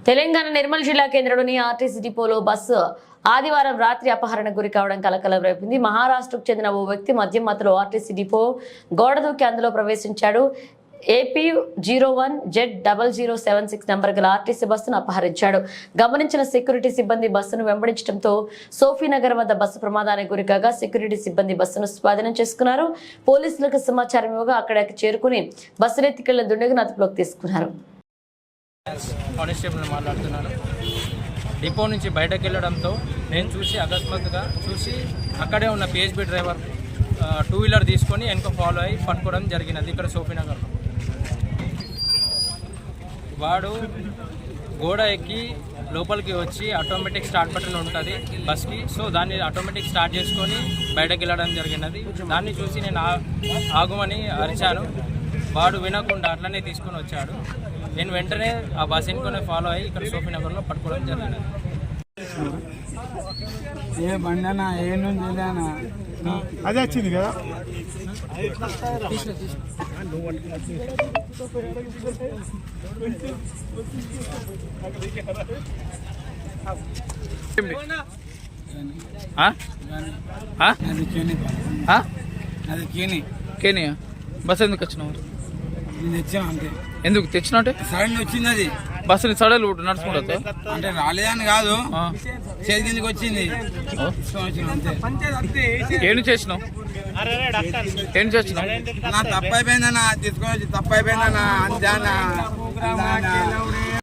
తెలంగాణ నిర్మల్ జిల్లా కేంద్రంలోని ఆర్టీసీ డిపోలో బస్సు ఆదివారం రాత్రి అపహరణకు గురి కావడం కలకలం రేపింది. మహారాష్ట్రకు చెందిన ఓ వ్యక్తి మద్యం మత్తులో ఆర్టీసీ డిపో గోడ దూకి అందులో ప్రవేశించాడు. AP01Z0076 నంబర్ గల ఆర్టీసీ బస్సును అపహరించాడు. గమనించిన సెక్యూరిటీ సిబ్బంది బస్సును వెంబడించడంతో సోఫీనగర్ వద్ద బస్సు ప్రమాదానికి గురికాగా సెక్యూరిటీ సిబ్బంది బస్సును స్వాధీనం చేసుకున్నారు. పోలీసులకు సమాచారం ఇవ్వగా అక్కడికి చేరుకుని బస్సును ఎత్తుకెళ్లిన దుండగును అదుపులోకి తీసుకున్నారు. కానిస్టేబుల్ మాట్లాడుతున్నాను. డిపో నుంచి బయటకు వెళ్ళడంతో నేను అకస్మాత్తుగా చూసి అక్కడే ఉన్న PHB డ్రైవర్ 2-వీలర్ తీసుకొని వెనక ఫాలో అయ్యి పట్టుకోవడం జరిగినది. ఇక్కడ సోఫీనగర్లో వాడు గోడ ఎక్కి లోపలికి వచ్చి ఆటోమేటిక్ స్టార్ట్ బటన్ ఉంటుంది బస్కి. సో దాన్ని ఆటోమేటిక్ స్టార్ట్ చేసుకొని బయటకు వెళ్ళడం జరిగినది. దాన్ని చూసి నేను ఆగుమని అరిచాను. వాడు వినకుండా అట్లనే తీసుకొని వచ్చాడు. నేను వెంటనే ఆ బస్ ఎన్నుకొని ఫాలో అయ్యి ఇక్కడ సోఫీనగర్లో పట్టుకోవడం జరిగింది. ఏ బండనా ఏ నుంచి అదే వచ్చింది కదా. కేనియా బస్ ఎందుకు వచ్చినావు? తెచ్చాను అంతే. ఎందుకు తెచ్చినా అంటే సడన్ వచ్చింది అది బస్సుని సడలు నడుచుకుంటా అంటే రాలేదని కాదు, చేతి కిందకి వచ్చింది. ఏం చేసినావు? ఏం చేసినావు? నా తప్పు అయిపోయిందన్నా, తీసుకొని వచ్చి తప్పు అయిపోయిందన్నా అంతే.